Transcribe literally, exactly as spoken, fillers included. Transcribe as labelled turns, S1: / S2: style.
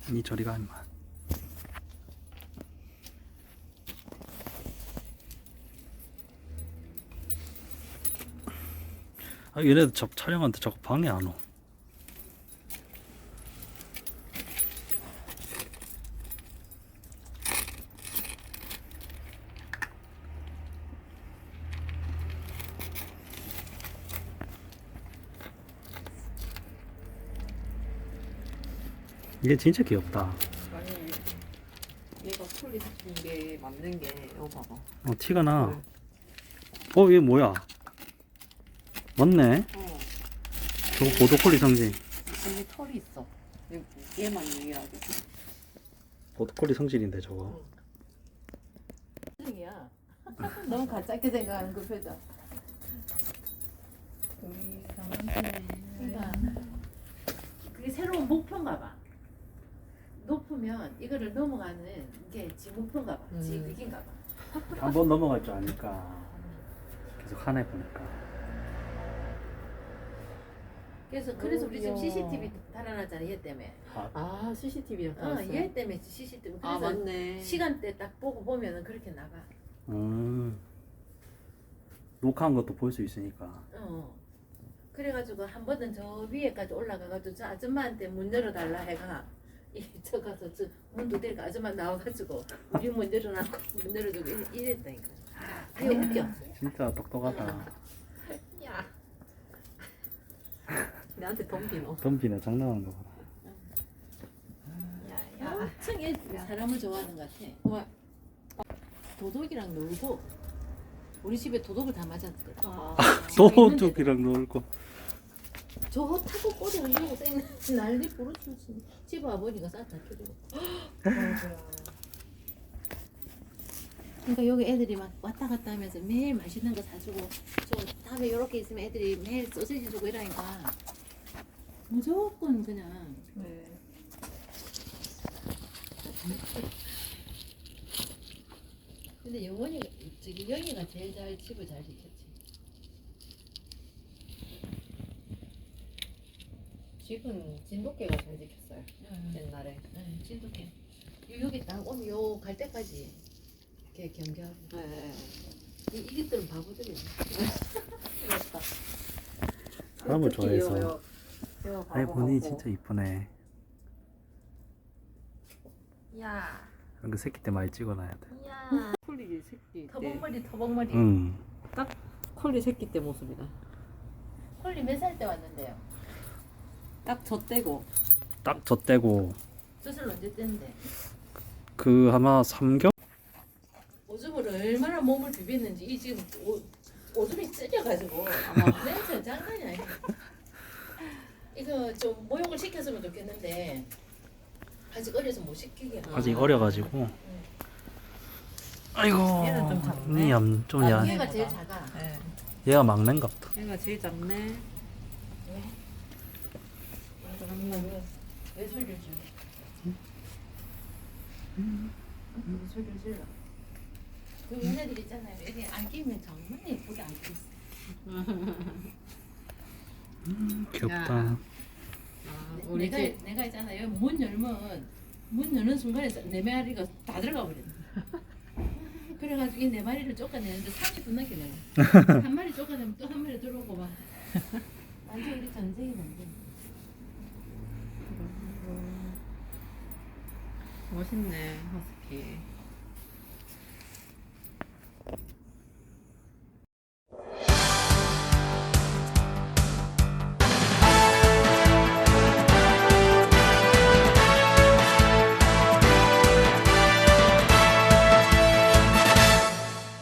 S1: 니 저리가 임마. 아 얘네들 저 촬영한테 자꾸 방해 안 오. 얘 진짜 귀엽다.
S2: 아니 얘가 털이 생긴 게 맞는 게 이거 봐봐.
S1: 어 티가 나. 어 얘 뭐야? 맞네.
S2: 어
S1: 저거 보더콜리 성질.
S2: 여기 털이 있어. 얘- 얘만 유일하게.
S1: 보더콜리 성질인데 저거.
S3: 표정이야. 너무 가짜게 생각하는 그 표정. 우리 강원도는 그러니까 그게 새로운 목표인가 봐. 높으면 이거를 넘어가는 게 지 목표인가 봐. 지
S2: 음.
S3: 극인가 봐.
S1: 한 번 넘어갈 줄 아니까 계속 하네 보니까.
S3: 그래서 그래서 우리 지금
S2: 귀여워.
S3: 씨씨티비 달아놨잖아 얘 때문에.
S2: 아 씨씨티비랑
S3: 어, 얘 때문에 씨씨티비.
S2: 아
S3: 그래서
S2: 맞네.
S3: 시간대 딱 보고 보면은 그렇게 나가.
S1: 음. 녹화한 것도 볼 수 있으니까.
S3: 어. 그래가지고 한 번은 저 위에까지 올라가가지고 저 아줌마한테 문 열어달라 해가 이 저 가서 저 문 두드리니까 아줌마 나와가지고 우리 문 열어놔고 문 열어주고 이래- 이랬다니까. 되게 웃겨.
S1: 진짜 똑똑하다.
S3: 야.
S2: 내한테 덤비노.
S1: 덤비네 장난하는 거 봐.
S3: 야, 엄청 얘 사람을 좋아하는 것 같아. 와, 도둑이랑 놀고 우리 집에 도둑을 다 맞았거든.
S2: 아,
S1: 도둑이랑 놀고.
S3: 저거 타고 꼬리 흔들고 땡 난리 부르듯이 집 아버지가 싹다 켜주고. 그러니까 여기 애들이 막 왔다 갔다 하면서 매일 맛있는 거 사주고 저 다음에 이렇게 있으면 애들이 매일 소시지 주고 이러니까 무조건 그냥
S2: 네.
S3: 근데 영원이 저기 영희가 제일 잘 집을 잘 지켰지.
S2: 집은 진돗개가 잘 지켰어요.
S3: 응,
S2: 옛날에.
S3: 응, 진돗개. 요- 여기 딱 오면 요 갈 때까지 이렇게 경계하고.
S2: 네.
S3: 이 이것들은 바보들이야.
S2: 맞다.
S1: 사람을
S2: 특히
S1: 좋아해서.
S2: 요- 요- 요
S1: 아이
S2: 바보
S1: 본인이
S2: 같고.
S1: 진짜 이쁘네.
S3: 야,
S1: 그 새끼 때 많이 찍어놔야 돼.
S3: 야.
S2: 콜리 새끼 때.
S3: 터벅머리, 터벅머리.
S1: 응.
S2: 콜리 새끼 때 모습이다.
S3: 콜리 몇 살 때 왔는데요?
S2: 딱 저 떼고.
S1: 딱 저 때고
S3: 수술 언제 뗐는데?
S1: 그 아마 삼 개월.
S3: 오줌을 얼마나 몸을 비볐는지 이 지금 오, 오줌이 찢어가지고 아마 냄새 장난이 아니야. 이거 좀 모욕을 시켰으면 좋겠는데 아직 어려서 못 시키게.
S1: 아직 어려가지고. 아이고.
S2: 얘는 좀 작네.
S1: 니암 좀
S3: 아,
S1: 야.
S3: 얘가 제일 작아.
S2: 네.
S1: 얘가 막내인갑다.
S2: 얘가 제일 작네.
S3: 왜?
S2: 잠깐만.
S3: 왜, 왜 소리를 질러? 왜 소리를 질러? 그 얘네들 있잖아요. 여기 안 끼면 정말 예쁘게 안 끼어.
S1: 귀엽다.
S2: 아,
S3: 내-
S2: 우리
S3: 내가
S2: 집
S3: 내가 있잖아. 여기 문 열면 문 여는 순간에 네 마리가 다 들어가 버려. 그래가지고 이 네 마리를 쫓아내는데 삼십 분 넘게 걸려. 한 마리 쫓아내면 또 한 마리 들어오고 막. 완전 우리 전쟁이 난데.
S2: 멋있네 허스키.